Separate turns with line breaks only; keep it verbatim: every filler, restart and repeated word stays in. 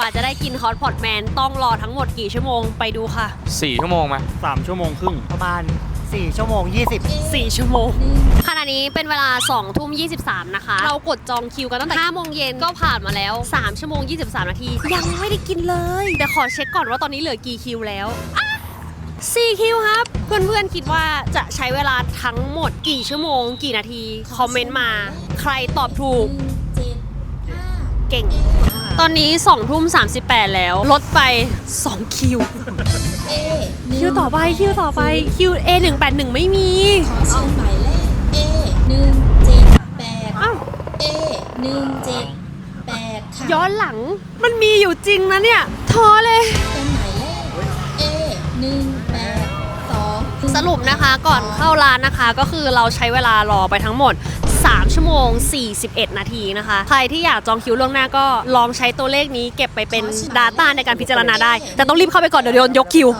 จะได้กินฮอตพอตแมนต้องรอทั้งหมดกี่ชั่วโมงไปดูค่ะ
สี่ชั่วโมงไหม
สามชั่วโมงครึ่ง
ประมาณสี่ชั่วโมงยี่สิบ
สี่ชั่วโมงขณะนี้เป็นเวลาสองทุ่มยี่สิบสามนะคะเรากดจองคิวกันตั้งแต่ห้าโมงเย็นก็ผ่านมาแล้วสามชั่วโมงยี่สิบสามนาทียังไม่ได้กินเลยแต่ขอเช็คก่อนว่าตอนนี้เหลือกี่คิวแล้วสี่คิวครับเพื่อนๆคิดว่าจะใช้เวลาทั้งหมดกี่ชั่วโมงกี่นาทีคอมเมนต์มาใครตอบถูกเก่งตอนนี้สองทุ่มสามสิบแปดแล้วลดไปสองคิวคิวต่อไปคิวต่อไปคิว เอ หนึ่งแปดหนึ่งไม่มี
ขอเชิญหมายเลข เอ หนึ่งเจ็ดแปด
อ้าว
เอ หนึ่งเจ็ดแปด ค่ะ
ย้อนหลังมันมีอยู่จริงนะเนี่ยท้อเลย
เป็นหมายเลข เอ หนึ่งแปดสอง
สรุปนะคะก่อนเข้าร้านนะคะก็คือเราใช้เวลารอไปทั้งหมดสามชั่วโมงสี่สิบเอ็ดนาทีนะคะใครที่อยากจองคิวล่วงหน้าก็ลองใช้ตัวเลขนี้เก็บไปเป็น Data ในการพิจารณาได้แต่ต้องรีบเข้าไปก่อนเดี๋ยวโดนยกคิว